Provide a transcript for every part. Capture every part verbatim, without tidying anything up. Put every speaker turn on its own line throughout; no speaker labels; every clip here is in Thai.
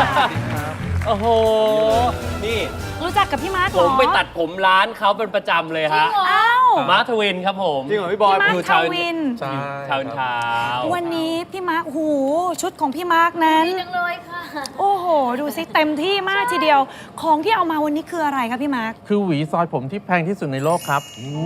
โอ้โหนี่
รู้จักกับพี่มาร์คเห
ผ
รอ
มไปตัดผมร้านเขาเป็นประจำเลยฮะ
อ้าว
มาร์คทวินครับผม
จริงเหรอพี่บอย
พี่มาร์ค
อยู่
ท
ชาว
วิน
ใช่
ชาวเช้า
วันนี้พี่มาร์คโอ้โหชุดของพี่มาร์คนั้น
ดีจังเลยค่ะ
โอ้โห ดูสิเต็มที่มากทีเดียว ของที่เอามาวันนี้คืออะไรคะพี่มาร์ค
คือหวีซอยผมที่แพงที่สุดในโลกครับ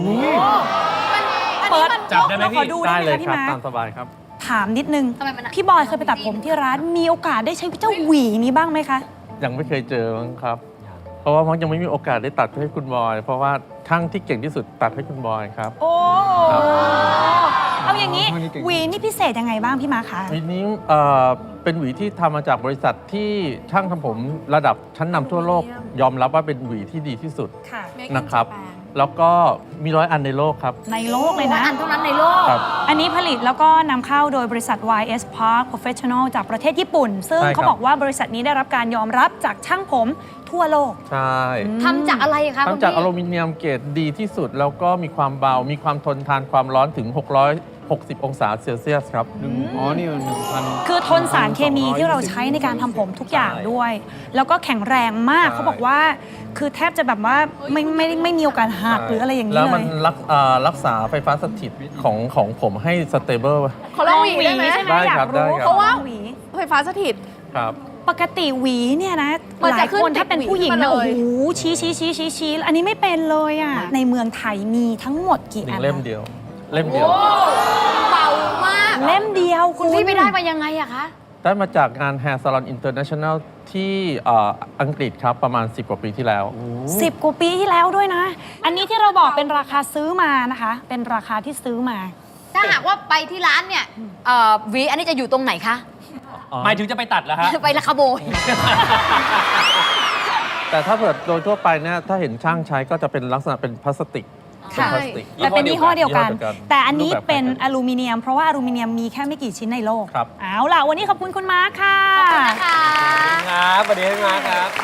เปิด
จับได้ไหม
เราขอ
พี่
ดูได้
ได้
ไหม
เลย
คะพี่
ครับ
มาร์ค
ตามสบายครับ
ถามนิดนึง
ทำไมมันอะ
พี่บอยเคยไปตัดผมที่ร้านมีโอกาสได้ใช้เจ้าหวีนี้บ้างไหมคะ
ยังไม่เคยเจอมั้งครับ เพราะว่ามักยังไม่มีโอกาสได้ตัดให้คุณบอย เพราะว่าช่างที่เก่งที่สุดตัดให้คุณบอยครับ
โอ้
ครับ
เอาอย่างนี้
อ๋อนี่เก่ง
หวีนี่พิเศษยังไงบ้างพี่มาร์คคะ
หวีนี้เอ่อเป็นหวีที่ทำมาจากบริษัทที่ช่างทำผมระดับชั้นนำทั่วโลก ยอมรับว่าเป็นหวีที่ดีที่สุด
ค่ะ
นะครับ แล้วก็มีร้อยอันในโลกครับ
ในโลกเลยนะ
อันเท่านั้นในโลก
ครับ
อันนี้ผลิตแล้วก็นำเข้าโดยบริษัท วาย เอส Park Professional จากประเทศญี่ปุ่น ซึ่ง
ใช่ครับ
เขาบอกว่าบริษัทนี้ได้รับการยอมรับจากช่างผมทั่วโลก
ใช่
ทำจากอะไรคะคุณ
ทำจาก
พี่
อลูมิเนียมเกรดดีที่สุด แล้วก็มีความเบา มีความทนทานความร้อนถึง หกร้อยหกสิบ องศาเซลเซียสครับ
อ๋อ นี่มันหนึ่งพัน
คือทนสารเคมีที่เราใช้ในการทำผมทุกอย่างด้วย แล้วก็แข็งแรงมาก
ใช่
เขาบอกว่า คือแทบจะแบบว่าไม่ไม่ไม่ไม่มีโอกาสหักหรืออะไรอย่างนี้
แล้ว
เล
มัน
ย
รักอ่ารักษาไฟฟ้าสถิตของของผมให้สเตเบิล
ขอลองหวีได้ไหม
ใช่ไหม
ได้
อยา
ครั
ก
บได้
รู้
ครับ
เพราะว่าหวี
ไฟฟ้าสถิต
ครับ
ปกติหวีเนี่ยนะ
มัน
ห
จะ
ลาย
ขึ้น
คนถ้าเป็นผู้หญิง
ติดหวี
นะ
ขึ้
โอ้
นมาเลย
โหชี้ชี้ชี้ชี้ชี้อันนี้ไม่เป็นเลยอ่ะในเมืองไทยมีทั้งหมดกี่
หนึ่
อั
ง
น
เล่มเดียว เล่มเดียว
เบามาก
เล่มเดียว
คุณพี่ไปได้มายังไงอะคะ
ได้มาจากงาน Hair Salon International ที่เอ่ออังกฤษครับประมาณ สิบ กว่าปีที่แล้ว
สิบกว่าปีที่แล้วด้วยนะ อันนี้ที่เราบอกเป็นราคาซื้อมานะคะ เป็นราคาที่ซื้อมา
ถ้าหากว่าไปที่ร้านเนี่ยเอ่อหวีอันนี้จะอยู่ตรงไหนคะ
หมายถึงจะไปตัดเหรอฮะ
ไปละขโมย
แต่ถ้าเกิดโดยทั่วไปเนี่ยถ้าเห็นช่างใช้ก็จะเป็นลักษณะเป็นพลาสติก
ค่ะ
เป็นพลาสติก
แต่เป็นยี่ห้อเดียวกัน
ยี่ห้อเดียวกัน
แต่อันนี้
รูปแบบ
เป็น
คล้ายกัน
อลูมิเนียม เพราะว่าอลูมิเนียมมีแค่ไม่กี่ชิ้นในโลก
ครับ
เอาล่ะ วันนี้ขอบคุณคุณมาร์คค่ะ
ขอบคุณนะคะ
ครับสวัสดีพี่มาร์คครับ